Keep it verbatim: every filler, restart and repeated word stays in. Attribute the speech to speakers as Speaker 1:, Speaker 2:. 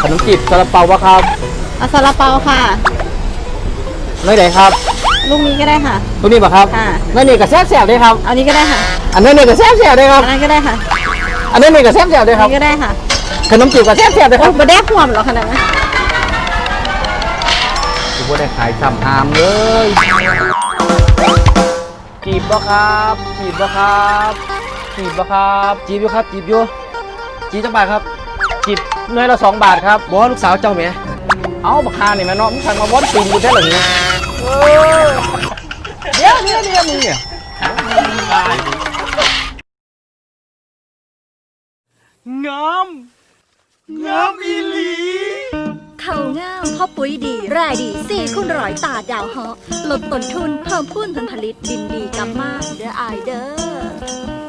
Speaker 1: นมจีบซาลาเปาวะครับ
Speaker 2: เอาซาลาเปาค่ะ
Speaker 1: ไม่ไหนครับ
Speaker 2: ลูกนี้ก็ได้ค่ะ
Speaker 1: ตัวนี้ป่ะครับ
Speaker 2: ค่ะ
Speaker 1: นั่นนี่กับแซ่บแซ่บเลยครับ
Speaker 2: เอานี้ก็ได้ค่ะ
Speaker 1: อันนั้นนี่กับแซ่บแซ่บเลยครับ
Speaker 2: อันนั้นก็ได้ค่ะ
Speaker 1: อันนั้นนี่กับแซ่บแซ่บเลยค
Speaker 2: อั
Speaker 1: รั
Speaker 2: น
Speaker 1: บ
Speaker 2: นี้ก็ได้ค่ะ
Speaker 1: ขนมจีบกับแซ่บแซ่บเลยค
Speaker 2: โอ้
Speaker 1: รับ
Speaker 2: มาแดกห่วมเหรอขนาดนั้น
Speaker 1: กูบ่ได้ขายซ้ำหามเลยจีบบ่ครับจีบบ่ครับจีบบ่ครับจีบอยู่ครับจีบอยู่จีบจังบาทครับจีบหน่วยละสองบาทครับบอลูกสาวเจ้าแม่เอาบักฮานี่แม่เนาะมึงสั่งมาวนปีนกูแท้หรือไงเดี๋ยวเดี๋ยวเดี๋ยวมึงเนี่ย งามงามอีหลี
Speaker 3: เขาง่ามพ่อปุ๋ยดีรายดีสี่คุณร้อยตาดาวเหาะลดต้นทุนเพิ่มพูนผลผลิตดินดีกำมากเด้ออายเด้อ